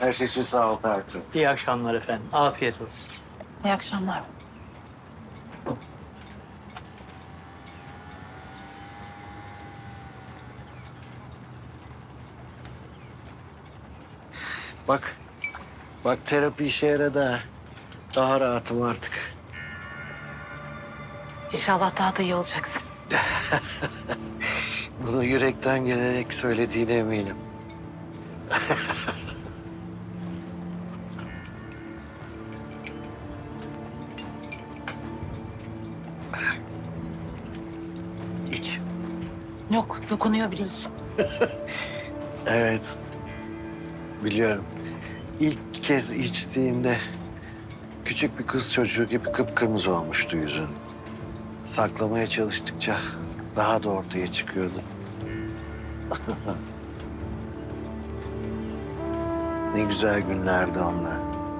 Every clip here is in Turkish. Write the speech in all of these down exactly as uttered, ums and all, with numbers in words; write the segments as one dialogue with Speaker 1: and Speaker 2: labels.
Speaker 1: Her şey için sağ ol Tarık'cığım.
Speaker 2: İyi akşamlar efendim. Afiyet olsun.
Speaker 3: İyi akşamlar.
Speaker 1: Bak, bak terapi işe yaradı ha. Daha rahatım artık.
Speaker 3: İnşallah daha da iyi olacaksın.
Speaker 1: Bunu yürekten gelerek söylediğine eminim. İç.
Speaker 3: Yok, dokunuyor biliyorsun.
Speaker 1: Evet. Biliyorum. İlk kez içtiğinde küçük bir kız çocuğu gibi kıpkırmızı olmuştu yüzün. Saklamaya çalıştıkça daha da ortaya çıkıyordu. Ne güzel günlerdi onlar.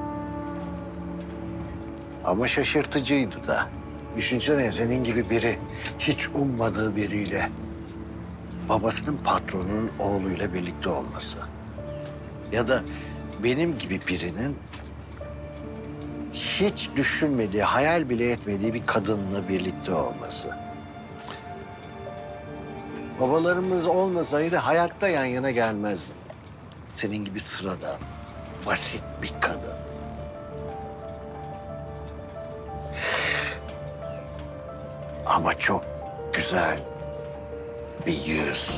Speaker 1: Ama şaşırtıcıydı da. Düşünsene senin gibi biri hiç ummadığı biriyle babasının patronunun oğluyla birlikte olması. Ya da benim gibi birinin hiç düşünmediği, hayal bile etmediği bir kadınla birlikte olması. Babalarımız olmasaydı hayatta yan yana gelmezdim. Senin gibi sıradan, basit bir kadın. Ama çok güzel bir yüz.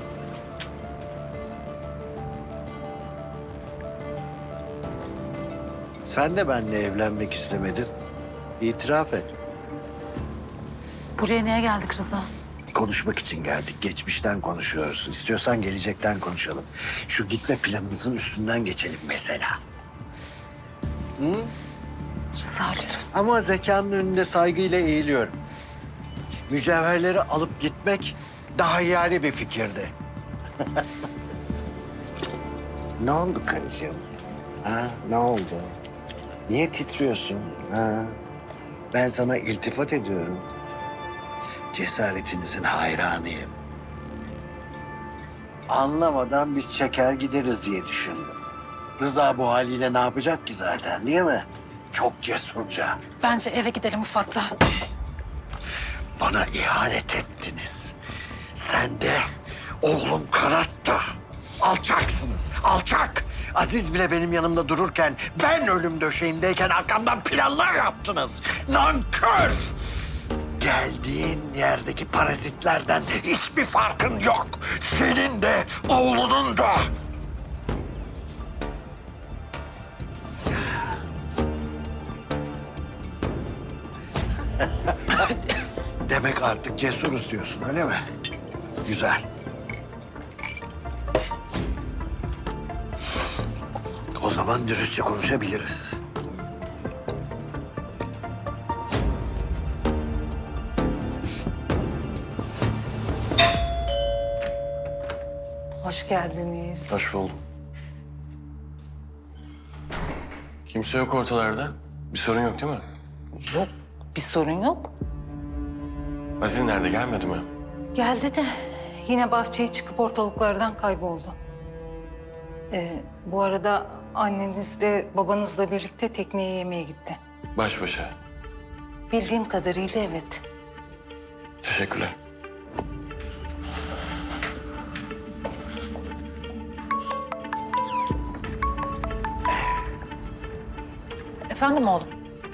Speaker 1: Sen de benimle evlenmek istemedin. İtiraf et.
Speaker 3: Buraya niye geldik Rıza?
Speaker 1: Konuşmak için geldik. Geçmişten konuşuyoruz. İstiyorsan gelecekten konuşalım. Şu gitme planımızın üstünden geçelim mesela. Hı?
Speaker 3: Rıza lütfen.
Speaker 1: Ama zekanın önünde saygıyla eğiliyorum. Mücevherleri alıp gitmek daha iyali bir fikirdi. Ne oldu karıcığım? Ha, ne oldu? Niye titriyorsun? Ha? Ben sana iltifat ediyorum. Cesaretinizin hayranıyım. Anlamadan biz çeker gideriz diye düşündüm. Rıza bu haliyle ne yapacak ki zaten, değil mi? Çok cesurca.
Speaker 3: Bence eve gidelim ufakta.
Speaker 1: Bana ihanet ettiniz. Sen de oğlum Karat da alçaksınız, alçak. Aziz bile benim yanımda dururken, ben ölüm döşeğimdeyken arkamdan planlar yaptınız. Nankör! Geldiğin yerdeki parazitlerden hiçbir farkın yok. Senin de, oğlunun da. Demek artık cesuruz diyorsun, öyle mi? Güzel. O zaman dürüstçe konuşabiliriz.
Speaker 4: Hoş geldiniz.
Speaker 5: Hoş buldum. Kimse yok ortalarda. Bir sorun yok değil mi?
Speaker 4: Yok, bir sorun yok.
Speaker 5: Aziz nerede? Gelmedi mi?
Speaker 4: Geldi de yine bahçeye çıkıp ortalıklardan kayboldu. Ee, bu arada anneniz de babanızla birlikte tekneye yemeğe gitti.
Speaker 5: Baş başa.
Speaker 4: Bildiğim kadarıyla evet.
Speaker 5: Teşekkürler.
Speaker 3: Efendim oğlum?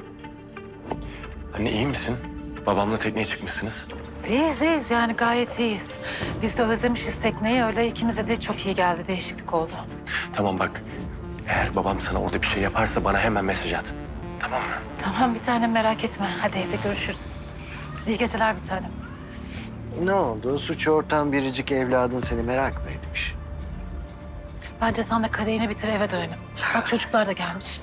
Speaker 5: Anne iyi misin? Babamla tekneye çıkmışsınız.
Speaker 3: İyiyiz iyiyiz yani gayet iyiyiz. Biz de özlemişiz tekneyi öyle ikimize de çok iyi geldi değişiklik oldu.
Speaker 5: Tamam bak. Eğer babam sana orada bir şey yaparsa bana hemen mesaj at.
Speaker 3: Tamam bir tanem merak etme. Hadi evde görüşürüz. İyi geceler bir tanem.
Speaker 1: Ne oldu? Suç ortağın biricik evladın seni merak mı etmiş?
Speaker 3: Bence sen de kadehini bitir eve dönelim. Bak çocuklar da gelmiş.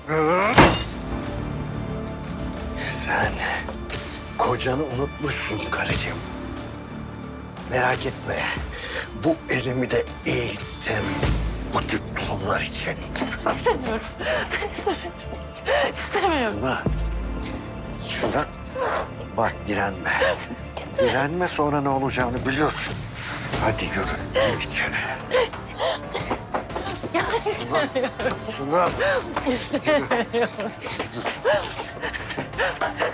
Speaker 1: Sen kocanı unutmuşsun karıcığım. Merak etme. Bu elimi de eğittim. Bu tip durumlar için.
Speaker 3: İstemiyorum. İstemiyorum. İstemiyorum.
Speaker 1: Şuna, şuna bak direnme. Direnme sonra ne olacağını biliyorsun. Hadi yürü içeri. Suna.